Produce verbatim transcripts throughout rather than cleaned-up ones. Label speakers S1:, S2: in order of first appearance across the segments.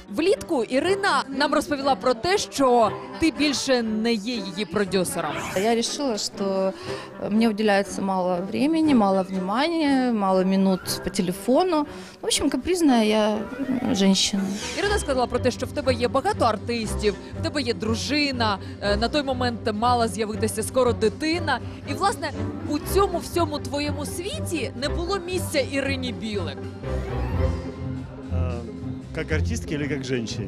S1: Влітку Ірина нам розповіла про те, що ти більше не є її продюсером.
S2: Я решила, что мне уделяется мало времени, мало внимания, мало минут по телефону. В общем, капризная я женщина.
S1: Ірина сказала про те, що в тебе є багато артистів, в тебе є дружина, е, на той момент мала з'явитися скоро дитина. І, власне, у цьому всьому твоєму світі не було місця Ірині Білик.
S3: А, Как артистке или как женщине?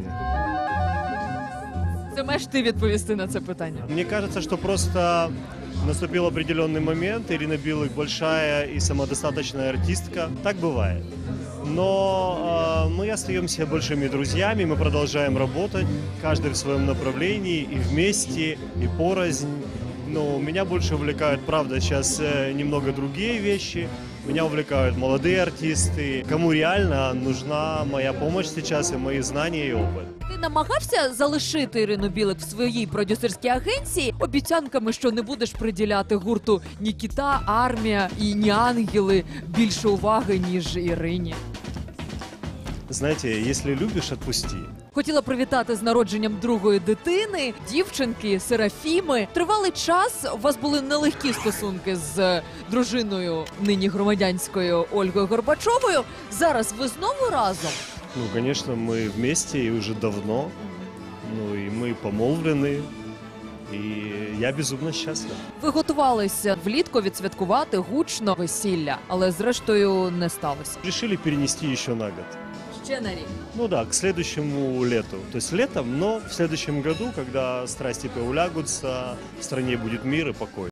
S1: Це маєш ти відповісти на це питання.
S3: Мне кажется, что просто наступил определенный момент. Ирина Билык большая и самодостаточная артистка. Так бывает. Но э, мы остаемся большими друзьями, мы продолжаем работать, каждый в своем направлении, и вместе, и порознь. Но меня больше увлекают, правда, сейчас э, немного другие вещи. Меня увлекают молодые артисты, кому реально нужна моя помощь сейчас и мои знания и опыт.
S1: Ти намагався залишити Ірину Білик в своїй продюсерській агенції обіцянками, що не будеш приділяти гурту ні Кіта, Армія і ні Ангели більше уваги, ніж Ірині?
S3: Знаете, если любишь, отпусти.
S1: Хотіла привітати з народженням другої дитини, дівчинки, Серафіми. Тривалий час у вас були нелегкі стосунки з дружиною нині громадянською Ольгою Горбачовою. Зараз ви знову разом?
S3: Ну, конечно, мы вместе и уже давно. Ну, и мы помолвлены. И я безумно счастлив.
S1: Ви готувалися влітку відсвяткувати гучно весілля, але зрештою не сталося.
S3: Решили перенести еще на год.
S1: Ще на рік.
S3: Ну да, к следующему лету. То есть летом, но в следующем году, когда страсти поулягутся, в стране будет мир и покой.